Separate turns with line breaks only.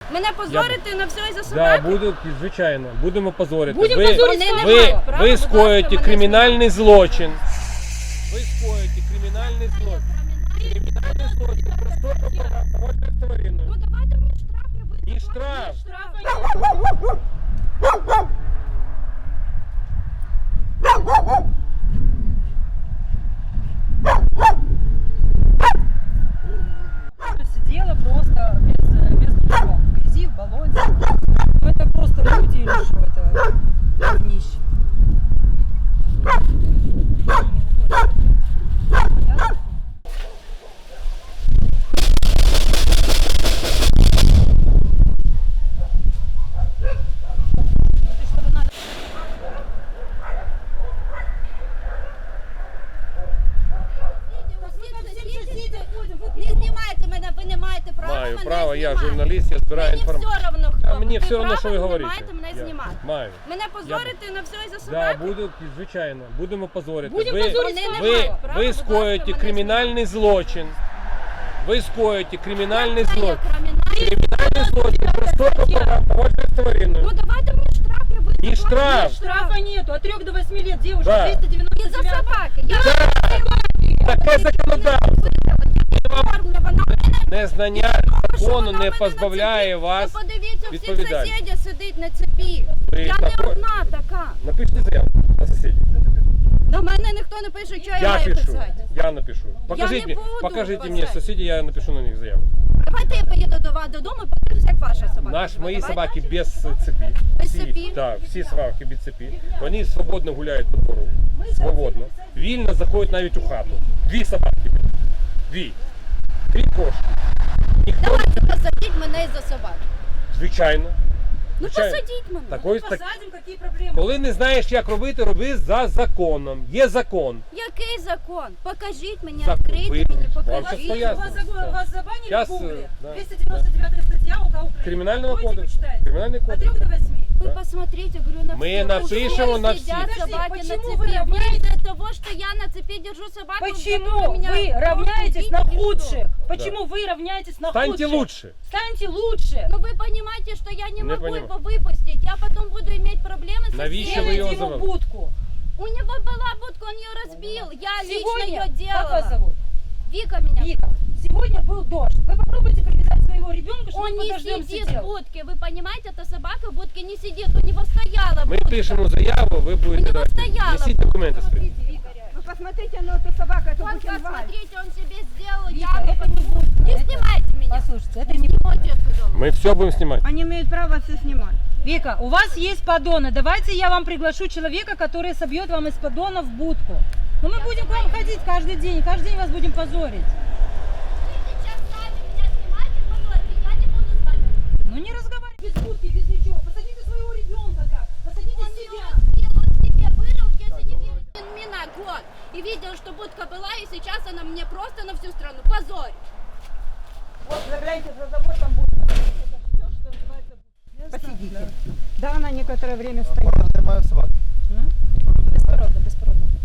Мене позорити на все із-за
Да,
собаки?
буду, звичайно, будемо позорити.
Будемо позорити.
Ви скоїте кримінальний злочин. Ви скоїте кримінальний злочин. Кримінальний злочин. Просто поводжуєте з твариною.
Ну давайте мені штраф, я буду.
Не штраф.
Сидела просто без ничего. В грязи, в болоте. Ну это просто люди или что это? Днище.
Не знімайте мене, ви не маєте права
Маю
мене
право, я
знімати.
журналіст, я збираю
Мені
інформацію.
все одно, хто.
А мені все одно, що ви
права
говорите.
не маєте мене
Я
знімати.
маю.
Мене позорити на все із-за
Да,
собаки?
буду, звичайно, будемо позорити.
Будемо
Ви,
позорити.
Вони не
ви,
мають права,
ви
будь
скоїте
ласка, мене
кримінальний злочин. Ви скоїте кримінальний
знімати.
злочин.
Я кримінальний.
Кримінальний злочин. Просто поводжуєте з твариною.
Ну давайте мені штраф, я буду.
Не штраф.
Штрафа нету. От 3 до 8 лет девушка.
Да.
299.
Із-за собаки. Я
Таке законодавство.
оформлю, вона
Незнання закону
вона
не
мене
позбавляє
на цепі.
вас.
Ну, подивіться, всі
відповідальності.
сусіди сидить на цепі.
Ви
Я не
тако-
одна така.
Напишіть заяву на сусідів.
На мене ніхто не пише, що я
Я
маю
пишу.
писати.
Я напишу. Покажіть
не
мені,
буду
покажіть мені
писати.
сусідів, я напишу на них заяву.
Давайте я поїду до вас додому і подивлюсь, як ваша собака. живе.
Мої
Давайте.
собаки без цепі.
Без
Всі,
цепі?
Так, всі собаки без цепі. Вони свободно гуляють по двору. Свободно. Вільно заходять навіть у хату. 2 собаки. 2. 3 кошки. Ніхто,
Давайте посадіть мене із-за собак.
звичайно.
Ну
Звичайно.
посадіть мене.
Такої, так,
Посадим, какие проблемы?
коли не знаєш, як робити, роби за законом. Є закон.
Який закон? Покажіть мені,
Закон.
відкрийте
Ви-
мені,
вам
покажіть.
щас поясню.
Вас забанили
Сейчас,
в Гугле.
да.
299 статья УК Украины.
Кримінального
Откройте,
кодексу.
почитайте.
Кримінальний
От
кодекс.
3 до 8.
Вы посмотрите, говорю, на
Мы
всех.
напишем
Уже
на
сидят
всех.
Подожди,
собаки на
почему
цепи.
вы равняетесь-
Из-за того, что я на цепи держу собаку,
Почему
которая меня
вы
просто
равняетесь
убить
на
или что?
худших? Почему вы равняетесь на
Станьте
худших?
лучше.
Станьте лучше.
Ну вы понимаете, что я не
Не
могу
понимаю.
его выпустить. Я потом буду иметь проблемы со
Навіщо
всеми.
ви його
Делайте ему
завели?
будку.
У него была будка, он ее разбил. Я лично
Сегодня,
ее
как вас
делала.
зовут?
Вика меня.
Вика. Сегодня был дождь. Вы попробуйте привязать своего ребенка, чтобы
Он
он
не
под дождем
сидит в
сидел.
будке. Вы понимаете, эта собака в будке не сидит. У него стояла
Ми
будка.
пишемо заяву, ви будете
него
дати.
стояла.
Несіть документи свої.
Вы посмотрите на эту собаку, эту
Вот
Бухенвальд.
посмотрите, он себе сделал
Вика,
яму.
это не будка.
Не
Это-
снимайте меня.
Послушайте, это не
Снимайте, я сказала.
Ми все будемо знімати.
Они имеют право все снимать.
Вика, у вас есть поддоны. Давайте я вам приглашу человека, который собьет вам из поддона в будку. Но мы будем к вам ходить каждый день вас будем позорить.
Вы сейчас сами меня снимаете, позорите, я не буду с вами.
Ну не разговаривайте без будки, без ничего. Посадите своего ребенка так. Посадите
Он
себя.
меня разбил, он себе вырыл, если не верит. Мина год. И видел, что будка была, и сейчас она мне просто на всю страну. Позорь.
Вот, загляните за забор, там будет. Посидите. Да, она некоторое время стояла.
Беспородно, беспородно.